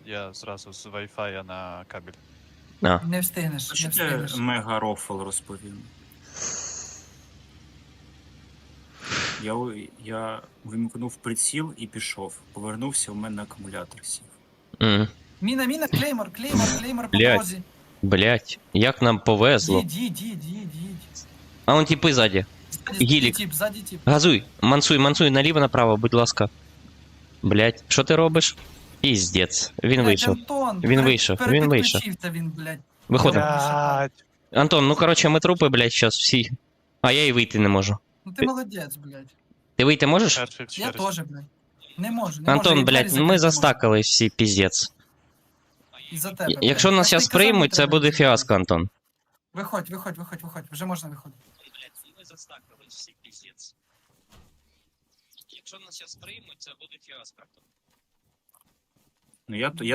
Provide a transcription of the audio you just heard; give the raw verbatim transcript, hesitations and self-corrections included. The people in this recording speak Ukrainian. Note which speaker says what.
Speaker 1: Я зразу з Wi-Fi на кабель.
Speaker 2: А.
Speaker 3: Не встигнеш,
Speaker 4: А
Speaker 3: не
Speaker 4: що ти
Speaker 3: встигнеш.
Speaker 4: мега рофл розповів? Я, у- я вимкнув приціл і пішов. Повернувся, у мене акумулятор сів.
Speaker 2: М.
Speaker 3: Міна, міна, клеймор, клеймор, клеймор по
Speaker 2: Блядь.
Speaker 3: дорозі.
Speaker 2: Блять, як нам повезло.
Speaker 3: Їдь, їдь, їдь, їдь, їдь.
Speaker 2: А вон тіпи ззаді.
Speaker 3: Ззаді,
Speaker 2: Гілік.
Speaker 3: ззаді тіп, ззаді тіп.
Speaker 2: Газуй, мансуй, мансуй наліво-направо, будь ласка. Блять, що ти робиш? Піздець. Він
Speaker 3: Блядь,
Speaker 2: вийшов.
Speaker 3: Антон,
Speaker 2: Він
Speaker 3: пере-
Speaker 2: вийшов, він вийшов.
Speaker 3: перепідключився він, блядь.
Speaker 2: Виходимо.
Speaker 1: Блядь.
Speaker 2: Антон, ну коротше, ми трупи, блять, щас всі. А я і вийти не можу.
Speaker 3: Ну ти молодець, блядь.
Speaker 2: Ти вийти можеш?
Speaker 1: Перший в
Speaker 3: Я
Speaker 1: черзі.
Speaker 3: теж, блядь. Не можу, не можу.
Speaker 2: Антон,
Speaker 3: я двері
Speaker 2: блять,
Speaker 3: закрити
Speaker 2: ми
Speaker 3: не
Speaker 2: застакались всі, піздець.
Speaker 3: можу. Із-за тебе, блядь.
Speaker 2: Якщо
Speaker 3: Я
Speaker 2: нас
Speaker 3: ж
Speaker 2: зараз
Speaker 3: тобі казав, не
Speaker 2: приймуть, це
Speaker 3: треба
Speaker 2: буде
Speaker 3: йти.
Speaker 2: фіаско, Антон.
Speaker 3: Виходь, виходь, виходь, виходь. Вже можна виходити.
Speaker 2: Ми застакались всі, піздець. Якщо нас зараз приймуть, це буде фіаско.
Speaker 4: Ну я, то- я